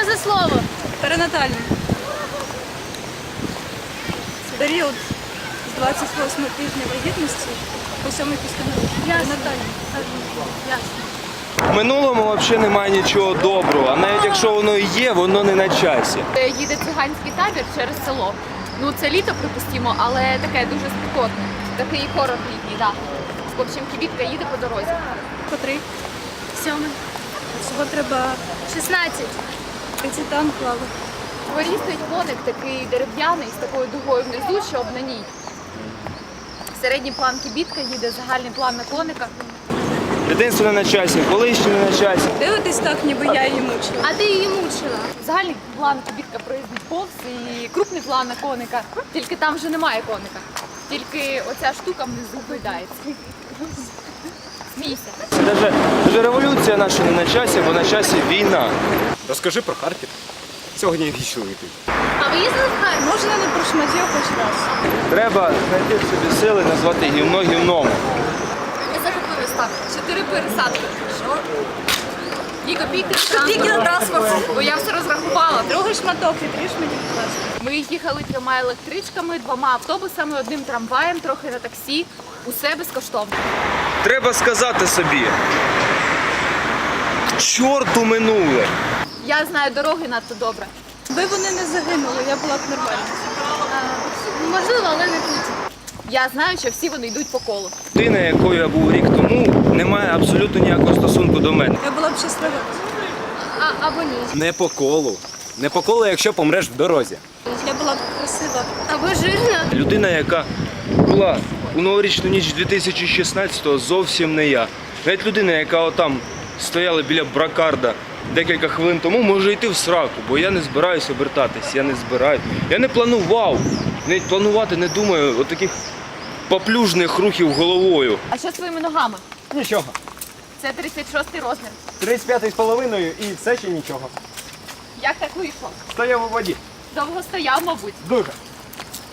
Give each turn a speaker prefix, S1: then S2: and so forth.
S1: за слово?
S2: Перинатальний. Це період з 28 тижня вагітності по 7 після народження. Перинатальний.
S1: Ясно.
S3: В минулому взагалі немає нічого доброго, а навіть якщо воно і є, воно не на часі.
S4: Їде циганський табір через село. Ну це літо, припустимо, але таке дуже спекотне. Такий хорор літній, так. В общем, кібітка їде по дорозі.
S2: По 3.
S1: 7.
S2: Всього треба
S1: 16.
S2: 30 там клави.
S4: В дворі стоїть коник такий дерев'яний з такою дугою внизу, щоб на ній. Середній план кібітка їде, загальний план на коника.
S3: Дитинство не на часі, колишнє не на часі.
S2: Дивитесь так, ніби я її мучила.
S1: А ти її мучила.
S4: Загальний план кібітка проїздить повз і крупний план на коника. Тільки там вже немає коника. Тільки оця штука внизу гойдається. Смійся.
S3: Це навіть революція наша не на часі, бо на часі війна.
S5: Розкажи про Харків. Сьогодні вічно йти.
S1: А ви їздили в Харків?
S2: Можна не про шматів хоч раз.
S3: Треба знайти в собі сили назвати гівно гівном.
S4: Ми захопились так. 4 пересадки. Що? 2 копійки
S2: Тільки на транспорт.
S4: Бо я все розрахувала.
S2: Другий шматок, відріж мені, будь ласка.
S4: Ми їхали 3 електричками, 2 автобусами, 1 трамваєм, трохи на таксі. Усе безкоштовно.
S3: Треба сказати собі. Чорту минуле.
S4: Я знаю дороги надто добре.
S2: Ви вони не загинули, я була б нормальна.
S1: Можливо, але не тут.
S4: Я знаю, що всі вони йдуть по колу.
S3: Людина, якою я був рік тому, не має абсолютно ніякого стосунку до мене.
S2: Я була б щаслива.
S1: Або ні.
S5: Не по колу. Не по колу, якщо помреш в дорозі.
S2: Я була б красива.
S1: Або жирна.
S3: Людина, яка була у новорічну ніч 2016-го, зовсім не я. Навіть людина, яка отам стояла біля бракарда декілька хвилин тому, може йти в сраку, бо я не збираюся обертатись, я не збираюсь. Я не планував, навіть планувати не думаю отаких поплюжних рухів головою.
S4: А що з твоїми ногами?
S5: Нічого.
S4: Це 36-й розмір.
S5: 35,5 і все ще нічого.
S4: Як так вийшло?
S5: Стояв у воді.
S4: Довго стояв, мабуть.
S5: Дуже.